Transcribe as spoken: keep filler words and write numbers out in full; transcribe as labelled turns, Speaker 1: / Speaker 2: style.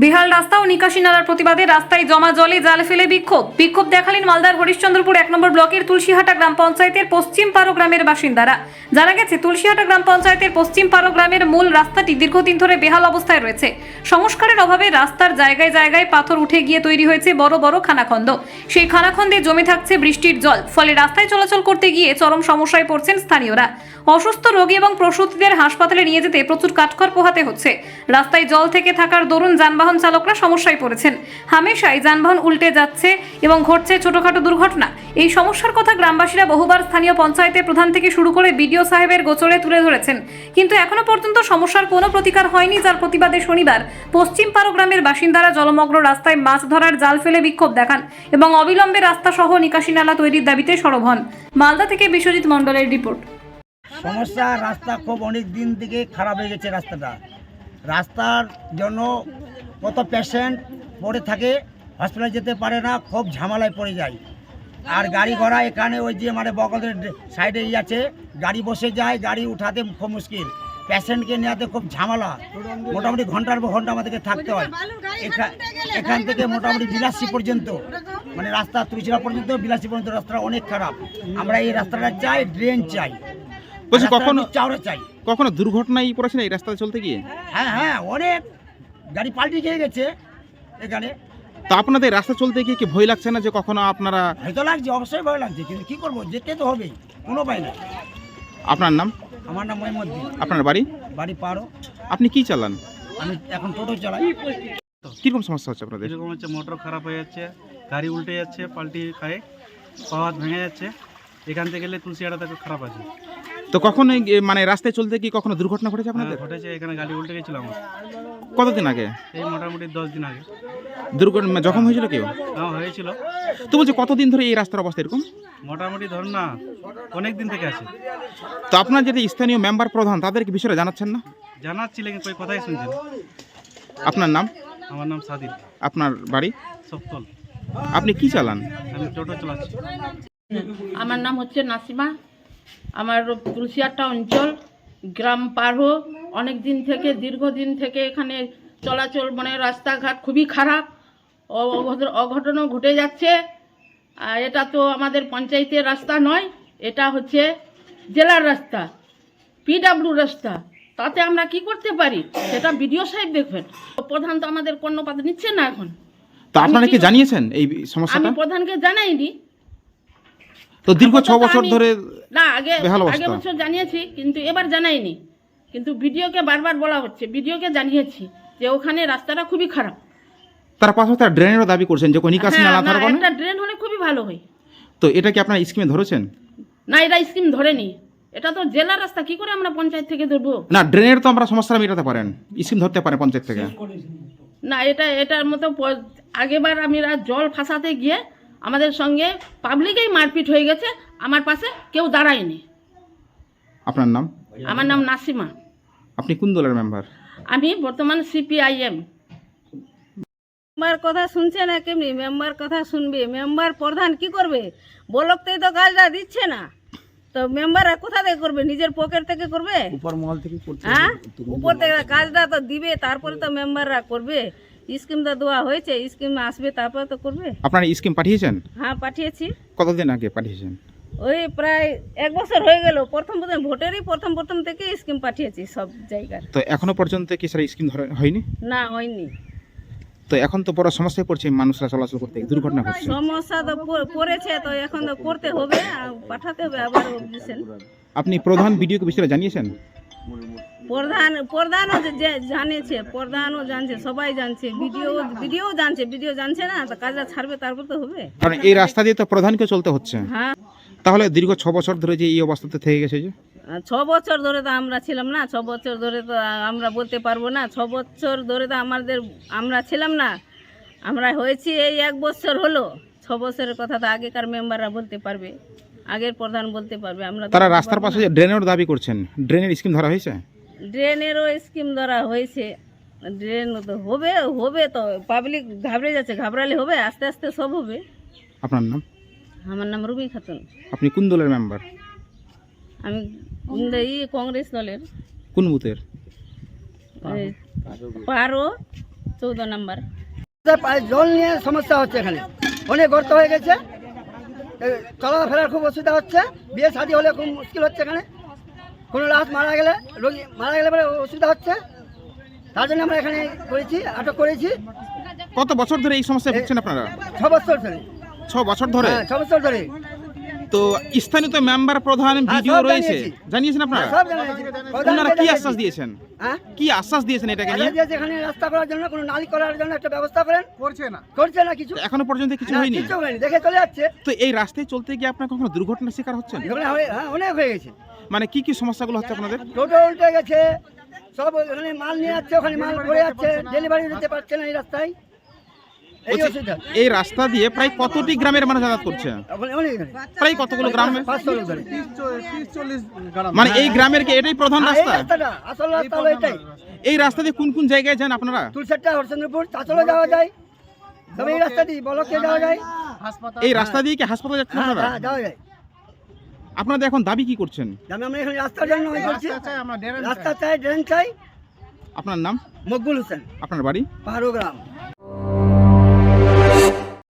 Speaker 1: বেহাল রাস্তা ও নিকাশি নালার প্রতিবাদে রাস্তায় জমা জলে জাল ফেলে বিক্ষোভ বিক্ষোভ দেখালেন মালদার হরিশ্চন্দ্রপুর এক নম্বর ব্লকের তুলসীহাটা গ্রাম পঞ্চায়েতের পশ্চিম পারো গ্রামের বাসিন্দারা। জানা গেছে, তুলসীহাটা গ্রাম পঞ্চায়েতের পশ্চিম পারো গ্রামের মূল রাস্তাটি দীর্ঘদিন ধরে বেহাল অবস্থায় রয়েছে। সংস্কারের অভাবে রাস্তার জায়গায় জায়গায় পাথর উঠে গিয়ে তৈরি হয়েছে বড় বড় খানাখন্দ। সেই খানাখন্দে জমে থাকছে বৃষ্টির জল, ফলে রাস্তায় চলাচল করতে গিয়ে চরম সমস্যায় পড়ছেন স্থানীয়রা। অসুস্থ রোগী এবং প্রসূতিদের হাসপাতালে নিয়ে যেতে প্রচুর কাঠখড় পোহাতে হচ্ছে। রাস্তায় জল থেকে থাকার দরুন যানবাহন চালকরা সমস্যায় পড়েছেন। হামেশাই যানবাহন উল্টে যাচ্ছে এবং ঘটছে ছোটখাটো দুর্ঘটনা। এই সমস্যার কথা গ্রামবাসীরা বহুবার স্থানীয় পঞ্চায়েতের প্রধান থেকে শুরু করে বিডিও সাহেবের গোচরে তুলে ধরেছেন, কিন্তু এখনো পর্যন্ত সমস্যার কোনো প্রতিকার হয়নি। যার প্রতিবাদে শনিবার পশ্চিম পারো গ্রামের বাসিন্দারা জলমগ্ন রাস্তায় মাছ ধরার জাল ফেলে বিক্ষোভ দেখান এবং অবিলম্বে রাস্তা সহ নিকাশি নালা তৈরির দাবিতে সরব হন। মালদা থেকে বিশ্বজিৎ মণ্ডলের রিপোর্ট।
Speaker 2: সমস্যা, রাস্তা খুব অনেক দিন থেকে খারাপ হয়ে গেছে। রাস্তাটা রাস্তার জন্য কত পেশেন্ট পড়ে থাকে, হসপিটালে যেতে পারে না, খুব ঝামেলায় পড়ে যায়। আর গাড়ি ঘোড়া এখানে ওই যে মানে বগলের সাইডে ই আছে, গাড়ি বসে যায়, গাড়ি উঠাতে খুব মুশকিল, পেশেন্টকে নেওয়াতে খুব ঝামেলা। মোটামুটি ঘন্টার পর ঘন্টা আমাদেরকে থাকতে হয়। এখান থেকে মোটামুটি বিলাসী পর্যন্ত, মানে রাস্তা তুলসীরা পর্যন্ত বিলাসী পর্যন্ত রাস্তা অনেক খারাপ। আমরা এই রাস্তাটা চাই, ড্রেন চাই।
Speaker 3: বলছি কখনো
Speaker 2: চাওড়া চাই।
Speaker 3: কখনো দুর্ঘটনায় পড়েছে না এই রাস্তায় চলতে গিয়ে?
Speaker 2: হ্যাঁ হ্যাঁ অনেক গাড়ি পাল্টি খেয়ে গেছে এখানে।
Speaker 3: তো আপনাদের রাস্তা চলতে গিয়ে কি ভয় লাগছে না যে কখনো আপনারা?
Speaker 2: হয়তো লাগছে, অবশ্যই ভয় লাগছে, কিন্তু কি করবো, যেতে তো হবেই, কোনো উপায় নাই।
Speaker 3: আপনার নাম?
Speaker 2: আমার নাম মহিমুদ্দিন।
Speaker 3: আপনার বাড়ি?
Speaker 2: বাড়ি পারো।
Speaker 3: আপনি কি চালান?
Speaker 2: আমি এখন টোটো চালাই।
Speaker 3: কিরকম সমস্যা হচ্ছে আপনাদের?
Speaker 4: এরকম হচ্ছে, মোটর খারাপ হয়ে যাচ্ছে, গাড়ি উল্টে যাচ্ছে, পাল্টি খায়, পাওয়ার ভেঙে যাচ্ছে। এখান থেকে গেলে তুলসীহাটা খারাপ আছে।
Speaker 3: তো কখনো এই মানে রাস্তায় চলতে গিয়ে কখনো দুর্ঘটনা ঘটেছে আপনাদের?
Speaker 4: হ্যাঁ, ঘটেছে। এখানে গাড়ি উল্টে গেছিল আমার।
Speaker 3: কতদিন আগে?
Speaker 4: এই মোটামুটি দশ দিন আগে।
Speaker 3: দুর্ঘটনা জখম হয়েছিল কেউ?
Speaker 4: হ্যাঁ হয়েছিল।
Speaker 3: তো বলছি কতদিন ধরে এই রাস্তার অবস্থা এরকম?
Speaker 4: মোটামুটি ধরুন না, অনেক দিন থেকে আছে।
Speaker 3: তো আপনার যেটা স্থানীয় মেম্বার প্রধান, তাদেরকে বিষয়টা জানাচ্ছেন না?
Speaker 4: জানাচ্ছি, লেকিন কই কথাই শুনছেন।
Speaker 3: আপনার নাম?
Speaker 4: আমার নাম সাদিক।
Speaker 3: আপনার বাড়ি?
Speaker 4: সপ্তল।
Speaker 3: আপনি কি চালান?
Speaker 4: আমি টোটো চালাচ্ছি।
Speaker 5: আমার নাম হচ্ছে নাসিমা। আমার তুলসীহাটা অঞ্চল, গ্রাম পারো, অনেক দিন থেকে, দীর্ঘদিন থেকে এখানে চলাচল, মানে রাস্তাঘাট খুবই খারাপ, অঘটনও ঘটে যাচ্ছে। আর এটা তো আমাদের পঞ্চায়েতের রাস্তা নয়, এটা হচ্ছে জেলার রাস্তা, পিডাব্লিউ রাস্তা। তাতে আমরা কি করতে পারি সেটা বিডিও সাহেব দেখবেন। প্রধান তো আমাদের কর্ণপাত নিচ্ছে না এখন।
Speaker 3: তো আপনারা কি জানিয়েছেন এই
Speaker 5: আমি
Speaker 3: সমস্যাটা?
Speaker 5: প্রধানকে জানাইনি।
Speaker 3: তো দীর্ঘ ছ বছর ধরে
Speaker 5: না, আগে
Speaker 3: বেহাল
Speaker 5: আগে
Speaker 3: অবস্থা।
Speaker 5: বছর জানিয়েছি, কিন্তু এবার জানাইনি। কিন্তু ভিডিওকে বারবার বলা হচ্ছে, ভিডিওকে জানিয়েছি যে ওখানে রাস্তাটা খুবই খারাপ।
Speaker 3: তার পাশাপাশি তারা ড্রেনেরও দাবি করছেন যে নিকাশি
Speaker 5: হ্যাঁ,
Speaker 3: নালা
Speaker 5: না,
Speaker 3: থাকবে না।
Speaker 5: একটা ড্রেন হলে খুবই ভালো হয়।
Speaker 3: তো এটা কি আপনারা স্কিমে ধরেছেন?
Speaker 5: না, এটা স্কিম ধরেনি। এটা তো জেলার রাস্তা, কি করে আমরা পঞ্চায়েত থেকে ধরবো?
Speaker 3: না, ড্রেনের তো আমরা সমস্যা মেটাতে পারেন, স্কিম ধরতে পারেন পঞ্চায়েত থেকে।
Speaker 5: না, এটা এটার মতো প- আগেবার আমরা জল ফাঁসাতে গিয়ে আমাদের সঙ্গে পাবলিকেই মারপিট হয়ে গেছে, আমার পাশে কেউ দাঁড়ায়নি।
Speaker 3: আপনার নাম?
Speaker 5: আমার নাম নাসিমা।
Speaker 3: আপনি কোন দলের মেম্বার?
Speaker 5: আমি বর্তমান সিপিআইএম।
Speaker 6: মেম্বার কথা শুনছে না, কেমনি মেম্বার কথা শুনবে? মেম্বার প্রধান কি করবে? ব্লকতেই তো কাজটা দিচ্ছে না, তো মেম্বাররা কোথা থেকে করবে? নিজের পকেট থেকে করবে?
Speaker 2: উপর মহল থেকে করতে
Speaker 6: হ্যাঁ, উপর থেকে কাজটা তো দিবে, তারপরে তো মেম্বাররা করবে। স্কিম তো দেওয়া হয়েছে, স্কিম আসবে, তারপরে তো করবে।
Speaker 3: আপনারা স্কিম পাঠিয়েছেন?
Speaker 6: হ্যাঁ, পাঠিয়েছি।
Speaker 3: কতদিন আগে পাঠিয়েছেন?
Speaker 6: ওই প্রায় এক বছর হয়ে গেল। প্রথম প্রথম ভোটেরই প্রথম প্রথম থেকে স্কিম পাঠিয়েছি সব জায়গার।
Speaker 3: তো এখনো পর্যন্ত কি স্যার স্কিম ধরে হয়নি?
Speaker 6: না, হয়নি।
Speaker 3: তো এখন তো বড় সমস্যায় পড়ছে মানুষরা চলাচল করতে, দুর্ঘটনা ঘটছে।
Speaker 6: সমস্যা তো প- পড়েছে, তো এখন তো করতে হবে, আর পাঠাতে হবে আবার অবজেকশন।
Speaker 3: আপনি প্রধান ভিডিওকে বিষয়টা জানিয়েছেন?
Speaker 6: প্রধান প্রধানও যে- যে জানিয়েছে, প্রধানও জানছে, সবাই জানছে, ভিডিও ভিডিও জানছে। ভিডিও জানছে না, তো কাজটা ছাড়বে, তারপর তো হবে।
Speaker 3: কারণ এই রাস্তা দিয়ে তো প্রধানকে চলতে হচ্ছে।
Speaker 6: হ্যাঁ,
Speaker 3: তাহলে দীর্ঘ ছ বছর ধরে যে এই অবস্থাতে থেকে গেছে যে?
Speaker 6: আর ছ বছর ধরে তো আমরা ছিলাম না, ছ বছর ধরে তো আমরা বলতে পারবো না। ছ বছর ধরে তো আমাদের আমরা ছিলাম না, আমরা হয়েছি এই এক বছর হলো। ছ বছরের কথা তো আগেকার মেম্বাররা বলতে পারবে, আগের প্রধান বলতে পারবে। আমরা তো
Speaker 3: তারা
Speaker 6: বলতে
Speaker 3: রাস্তার
Speaker 6: পারবো
Speaker 3: পাশে
Speaker 6: না।
Speaker 3: যে ড্রেনের দাবি করছেন, ড্রেনের স্কিম ধরা হয়েছে?
Speaker 6: ড্রেনেরও স্কিম ধরা হয়েছে। ড্রেন তো হবে, হবে তো, পাবলিক ঘাবড়ে যাচ্ছে, ঘাবড়ালে হবে, আস্তে আস্তে সব হবে।
Speaker 3: আপনার নাম?
Speaker 6: আমার নাম রুবি খাতুন।
Speaker 3: আপনি কোন দলের মেম্বার?
Speaker 6: আমি এই কংগ্রেস দলের।
Speaker 3: কোন বুথের?
Speaker 6: এই পারো চৌদ্দ নাম্বার।
Speaker 2: জল নিয়ে সমস্যা হচ্ছে, এখানে অনেক গর্ত হয়ে গেছে, চলাফেরার খুব অসুবিধা হচ্ছে, বিয়ে শাদী হলে খুব মুশকিল হচ্ছে, এখানে কোনো লাশ মারা গেলে রোগী মারা গেলে পরে অসুবিধা হচ্ছে, তার জন্য আমরা এখানে করেছি, আটক করেছি।
Speaker 3: কত বছর ধরে এই সমস্যায় ভুগছেন আপনারা?
Speaker 2: ছ বছর ধরে।
Speaker 3: ছ বছর ধরে?
Speaker 2: হ্যাঁ, ছ বছর ধরে।
Speaker 3: তো স্থানীয় তো মেম্বার প্রধান ভিডিও
Speaker 2: সব
Speaker 3: রয়েছে,
Speaker 2: জানিয়েছি।
Speaker 3: জানিয়েছেন আপনারা?
Speaker 2: সব জানিয়েছি।
Speaker 3: আপনারা কি আশ্বাস দিয়েছেন?
Speaker 2: হ্যাঁ,
Speaker 3: কি আশ্বাস দিয়েছেন এটাকে নিয়ে?
Speaker 2: আশ্বাস দিয়েছে এখানে রাস্তা করার জন্য, কোনো নালী করার জন্য একটা ব্যবস্থা করেন, করছে না, করছে না কিছু,
Speaker 3: এখনো পর্যন্ত কিছু
Speaker 2: না,
Speaker 3: হয়নি।
Speaker 2: কিছু হয়নি, দেখে চলে যাচ্ছে।
Speaker 3: তো এই রাস্তায় চলতে গিয়ে আপনার কখনো দুর্ঘটনার শিকার হচ্ছেন?
Speaker 2: এখানে হয়ে- হ্যাঁ, অনেক হয়ে গেছে,
Speaker 3: মানে কি কি সমস্যাগুলো হচ্ছে আপনাদের?
Speaker 2: টোটো উল্টে গেছে, সব ওখানে মাল নিয়ে যাচ্ছে, ওখানে মাল পড়ে যাচ্ছে, ডেলিভারি দিতে পারছে না এই রাস্তায়, এই
Speaker 3: বলছি,
Speaker 2: অসুবিধা।
Speaker 3: এই রাস্তা দিয়ে প্রায় কতটি গ্রামের মানুষ যাতায়াত করছে?
Speaker 2: ওখানে অনেক এখানে।
Speaker 3: প্রায় কতগুলো গ্রামে?
Speaker 2: পাঁচশো লোক ধরে।
Speaker 3: মানে এই গ্রামের কি এটাই প্রধান
Speaker 2: হ্যাঁ, এই
Speaker 3: রাস্তা?
Speaker 2: রাস্তাটা আসল রাস্তা হলো এটাই।
Speaker 3: এই রাস্তা দিয়ে কোন কোন জায়গায় যান আপনারা?
Speaker 2: তুলসেটটা, হরচন্দ্রপুর, চাঁচলে যাওয়া যায়, তবে এই রাস্তা দিয়ে বলকে যাওয়া যায়।
Speaker 3: এই রাস্তা দিয়ে কি হাসপাতালে যাচ্ছেন
Speaker 2: হ্যাঁ,
Speaker 3: আপনারা?
Speaker 2: হ্যাঁ, যাওয়া যায়।
Speaker 3: আপনাদের এখন দাবি কি করছেন?
Speaker 2: আমি আমরা এখানে রাস্তার জন্য ওই করছি, রাস্তা চাই, ড্রেন চাই।
Speaker 3: আপনার নাম,
Speaker 2: মকবুল হোসেন,
Speaker 3: আপনার বাড়ি?
Speaker 2: পাহাড়ো গ্রাম।